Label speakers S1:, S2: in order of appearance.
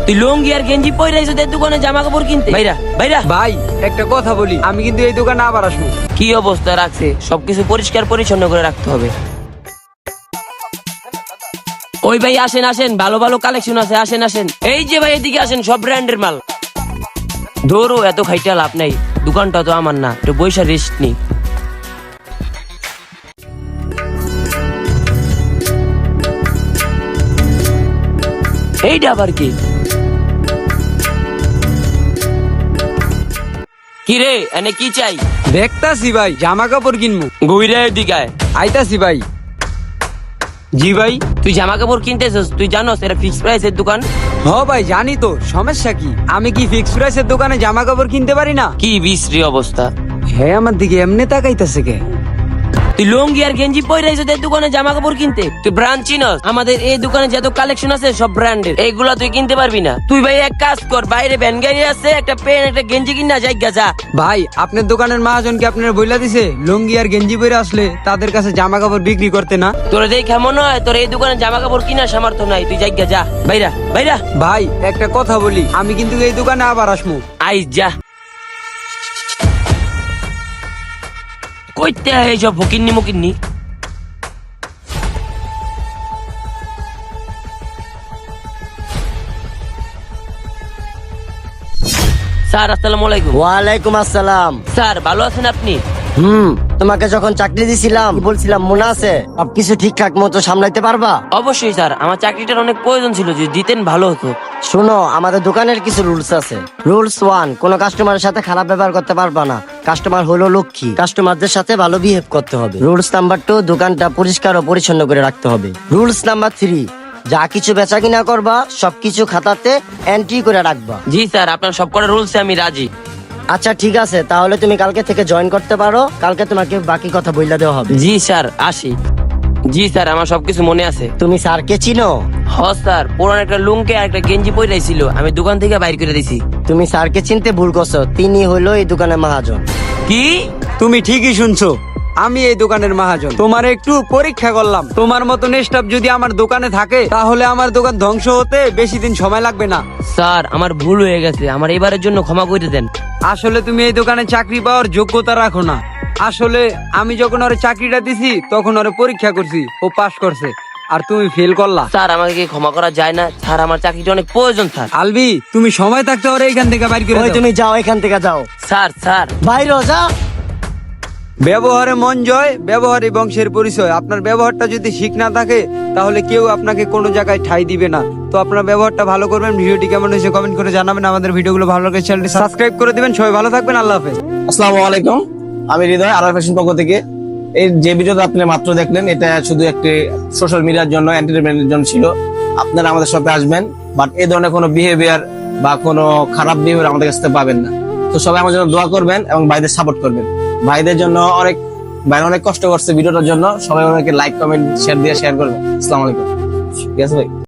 S1: তুই লুঙ্গি আর গেঞ্জি পরে আইছো তোর দোকানে জামা কাপড় কিনতে? বাইরা বাইরা।
S2: ভাই একটা কথা বলি, আমি কিন্তু এই দোকানে আবার আসবো।
S1: কি অবস্থা রাখছে, সবকিছু পরিষ্কার পরিচ্ছন্ন করে রাখতে হবে। ওই ভাই আসেন আসেন, ভালো ভালো কালেকশন আছে, আসেন আসেন। এই যে ভাই এদিকে আসেন, সব ব্র্যান্ডের মাল। ধরো এত খাইটা লাভ নাই, দোকানটা তো আমার না, একটু বৈশা রেস্ট নি। এইটা আবার কি? কি রে এনে কি চাই?
S2: দেখতাছি ভাই, জামা কাপড় কিনবো।
S1: ঘুরে এদিকে আয়।
S2: আইতাছি ভাই। জি ভাই।
S1: তুই জামা কাপড় কিনতেছিস, তুই জানোস এটা ফিক্স প্রাইসের দোকান?
S2: হ ভাই জানি তো, সমস্যা কি? আমি কি ফিক্স প্রাইসের দোকানে জামা কাপড় কিনতে পারি না?
S1: কি বিশ্রী অবস্থা।
S2: হ্যাঁ আমার দিকে এমনি তাকাইতাছে কে?
S1: তুই লুঙ্গি আর গেঞ্জি পরে আইছো তোর দোকানে জামা কাপড় কিনতে? তুই ব্র্যান্ড চিনস? আমাদের এই দোকানে যত কালেকশন আছে সব ব্র্যান্ডের, এইগুলা তুই কিনতে পারবি না। তুই ভাই এক কাজ কর, বাইরে ভ্যান গাড়ি আছে, একটা পেন একটা গেঞ্জি কিনা যাইগা যা।
S2: ভাই আপনার দোকানের মহাজন কি আপনার বইলা দিছে লুঙ্গি আর গেঞ্জি পরে আসলে তাদের কাছে জামা কাপড় বিক্রি করতে না?
S1: তোর দেখ কেমন হয়, তোর এই দোকানে জামা কাপড় কিনার সামর্থ্য নাই, তুই যাইগা যা বাইরা বাইরা।
S2: ভাই একটা কথা বলি, আমি কিন্তু এই দোকানে আবার আসবো।
S1: আই যা। কইতে এইসব ফকিন্নি মকিন্নি। স্যার আসসালামু আলাইকুম।
S3: ওয়ালাইকুম আসসালাম।
S1: স্যার ভালো আছেন আপনি?
S3: তোমাকে যখন চাকরি দিছিলাম বলছিলাম মনে আছে সবকিছু ঠিকঠাক মতো সামলাইতে পারবা?
S1: অবশ্যই স্যার, আমার চাকরিটার অনেক প্রয়োজন ছিল, যদি দিতেন ভালো হতো।
S3: শোনো, আমাদের দোকানের কিছু রুলস আছে। রুলস 1, কোনো কাস্টমারের সাথে খারাপ ব্যবহার করতে পারবা না। কাস্টমার হলো লক্ষ্মী, কাস্টমারদের সাথে ভালো বিহেভ করতে হবে। রুলস নাম্বার 2, দোকানটা পরিষ্কার ও পরিচ্ছন্ন করে রাখতে হবে। রুলস নাম্বার 3, যা কিছু বেচা কিনা করবা সবকিছু খাতাতে এন্ট্রি করে রাখবা।
S1: জি স্যার, আপনার সব কটা রুলসে আমি রাজি।
S3: আচ্ছা ঠিক আছে, তাহলে তুমি কালকে থেকে জয়েন করতে পারো। কালকে তোমাকে বাকি কথা বইলা দেওয়া হবে।
S1: জি স্যার আসি। জি স্যার, আমার সবকিছু মনে আছে।
S3: তুমি স্যারকে চিনো?
S1: হ স্যার, পুরান একটা লুঙ্গি আর একটা গেঞ্জি পরাইছিল, আমি দোকান থেকে বাইর করে দিছি।
S3: তুমি স্যারকে চিনতে ভুল করছো, তিনি হলো এই দোকানের মহাজন।
S1: কি?
S2: তুমি ঠিকই শুনছো, আমি এই দোকানের মহাজন। তোমার একটু পরীক্ষা করলাম, তোমার মতন স্টাফ যদি আমার দোকানে থাকে তাহলে আমার দোকান ধ্বংস হতে বেশি দিন সময় লাগবে না।
S1: স্যার আমার ভুল হয়ে গেছে, আমার এবারের জন্য ক্ষমা করে দেন।
S2: আসলে তুমি এই দোকানে চাকরি পাওয়ার যোগ্যতা রাখো না। আসলে আমি যখন ওরে চাকরিটা দিছি তখন ওরে পরীক্ষা করছি, ও পাস করছে আর তুমি ফেল করলা।
S1: স্যার আমাকে কি ক্ষমা করা যায় না? স্যার আমার চাকরিটা অনেক প্রয়োজন স্যার।
S2: আলবি তুমি সময় থাকতে ওরে এখান থেকে বাইর করে
S3: ওই
S2: দাও।
S3: তুমি যাও, এখান থেকে যাও,
S1: স্যার স্যার
S3: বাইরে যা।
S2: ব্যবহারে মন জয়, ব্যবহারই বংশের পরিচয়। আপনার ব্যবহারটা যদি ঠিক না থাকে তাহলে কেউ আপনাকে কোনো জায়গায় ঠাঁই দিবে না। তো আপনার ব্যবহারটা ভালো করবেন। ভিডিওটি কেমন হয়েছে কমেন্ট করে জানাবেন। আমাদের ভিডিওগুলো ভালো লাগে চ্যানেলটি সাবস্ক্রাইব করে দিবেন। সবাই ভালো থাকবেন, আল্লাহ হাফেজ।
S4: আসসালামু আলাইকুম, আমি হৃদয়, আরআর ফ্যাশন পক্ষ থেকে। এই যে ভিডিওটা আপনি মাত্র দেখলেন, এটা শুধু একটি সোশ্যাল মিডিয়ার জন্য, এন্টারটেইনমেন্টের জন্য ছিল। আপনারা আমাদের শপে আসবেন, বাট এই ধরনের কোনো বিহেভিয়ার বা কোনো খারাপ বিহেভিয়ার আমাদের কাছ থেকে পাবেন না। তো সবাই আমার জন্য দোয়া করবেন এবং ভাইদের সাপোর্ট করবেন। ভাইদের জন্য ভাই অনেক কষ্ট করছে ভিডিওটার জন্য। সবাই ওনাকে লাইক কমেন্ট শেয়ার করবেন। আসসালামু আলাইকুম। ঠিক আছে ভাই।